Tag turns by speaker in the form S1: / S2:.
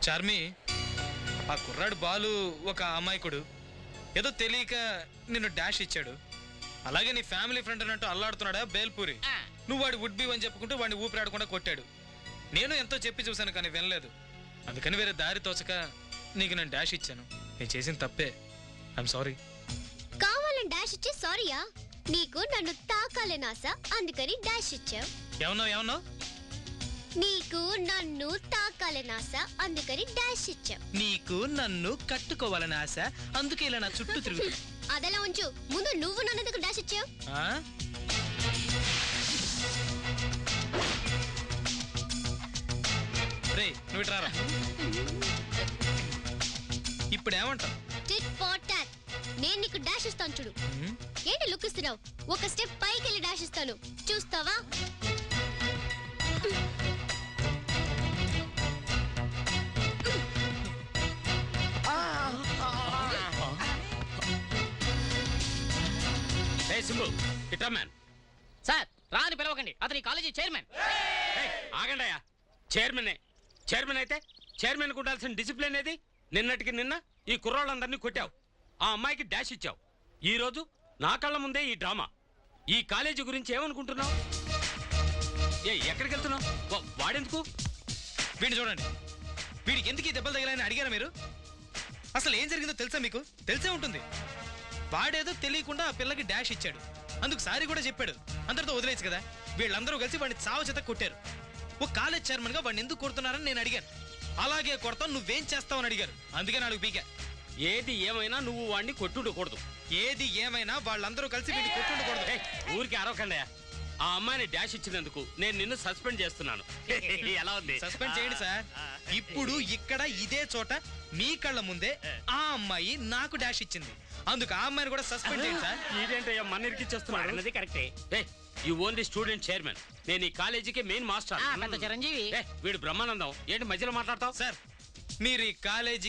S1: చార్మి, ఆ కుర్రాడు బాలు ఒక అమాయకుడు, ఏదో తెలియక నిన్ను డాష్ ఇచ్చాడు. అలాగే నీ ఫ్యామిలీ ఫ్రెండ్ అన్నట్టు అల్లాడుతున్నాడా బేల్పూరి. నువ్వు వాడి వుడ్ బి అని చెప్పుకుంటూ వాడిని ఊపిరాడకుండా కొట్టాడు. నేను ఎంతో చెప్పి చూశాను కానీ వినలేదు. అందుకని వేరే దారి తోచక నీకు నేను డాష్ ఇచ్చాను. నేను చేసిన తప్పే. I'm sorry.
S2: కావాలని డాష్ ఇచ్చే సారీయా? నీకు నన్ను తాకాలని ఆశ, అందుకని డాష్ ఇచ్చావు.
S1: ఏమన్నావు?
S2: నీకు నన్ను తాకాలని ఆశ, అందుకని డాష్ ఇచ్చావు.
S1: నీకు నన్ను కట్టుకోవాలని ఆశ, అందుకే ఇలా నా చుట్టూ తిరుగు.
S2: అదలా ఉంచు. ముందు నువ్వు నన్ను డాష్ ఇచ్చావు.
S1: రే నువ్వు ఇట్రారా. ఇప్పుడు ఏమంటావు?
S2: Tit for tat. నేను నీకు డాష్ ఇస్తాను చూడు. ఏంటి లుక్ ఇస్తున్నావు? ఒక స్టెప్ పైకి వెళ్ళి డాష్ ఇస్తాను, చూస్తావా?
S3: సార్ రాని పిలవకండి, అతని కాలేజీ చైర్మన్.
S4: ఆగండి అయ్యా. చైర్మన్ అయితే చైర్మన్ ఉండాల్సిన డిసిప్లిన్ ఏది? నిన్నటికి నిన్న ఈ కుర్రోళ్ళందరినీ కొట్టావు, ఆ అమ్మాయికి డాష్ ఇచ్చావు. ఈ రోజు నా కళ్ళ ముందే ఈ డ్రామా. ఈ కాలేజీ గురించి ఏమనుకుంటున్నావు? ఎక్కడికి వెళ్తున్నావు? వాడెందుకు?
S1: వీడిని చూడండి. వీడికి ఎందుకు ఈ దెబ్బలు తగిలాయని అడిగారా మీరు? అసలు ఏం జరిగిందో తెలుసా మీకు? తెలిసే ఉంటుంది. వాడేదో తెలియకుండా ఆ పిల్లకి డాష్ ఇచ్చాడు, అందుకు సారీ కూడా చెప్పాడు. అందరితో వదిలేచ్చు కదా. వీళ్ళందరూ కలిసి వాడిని చావు చేత కొట్టారు. ఓ కాలేజ్ చైర్మన్ గా వాడిని ఎందుకు కొడుతున్నారని నేను అడిగాను. అలాగే కొడతావు, నువ్వేం చేస్తావని అడిగారు. అందుకే నాలుగు పీకా.
S4: ఏది ఏమైనా నువ్వు వాడిని కొట్టుండకూడదు.
S1: ఏది ఏమైనా వాళ్ళందరూ కలిసి వీడిని కొట్టుండకూడదు.
S4: ఊరికి అరవకండియా. ఆ అమ్మాయిని డాష్ ఇచ్చినందుకు నేను నిన్ను సస్పెండ్ చేస్తున్నాను. ఎలా ఉంది?
S1: సస్పెండ్ చేయండి సార్. ఇప్పుడు ఇక్కడ ఇదే చోట మీ కళ్ళ ముందే ఆ అమ్మాయి నాకు డాష్ ఇచ్చింది, అందుకు ఆ అమ్మాయిని కూడా సస్పెండ్ చేయండి సార్.
S4: ఇదేంటయ్యా మన ఇరికిచ్చేస్తున్నాడు? కరెక్టే. You only student chairman. నేను ఈ కాలేజీకి మెయిన్ మాస్టర్.
S3: చిరంజీవి.
S4: వీడు బ్రహ్మానందం. ఏంటి మధ్యలో మాట్లాడతావు?
S1: సార్ మీరు ఈ కాలేజీ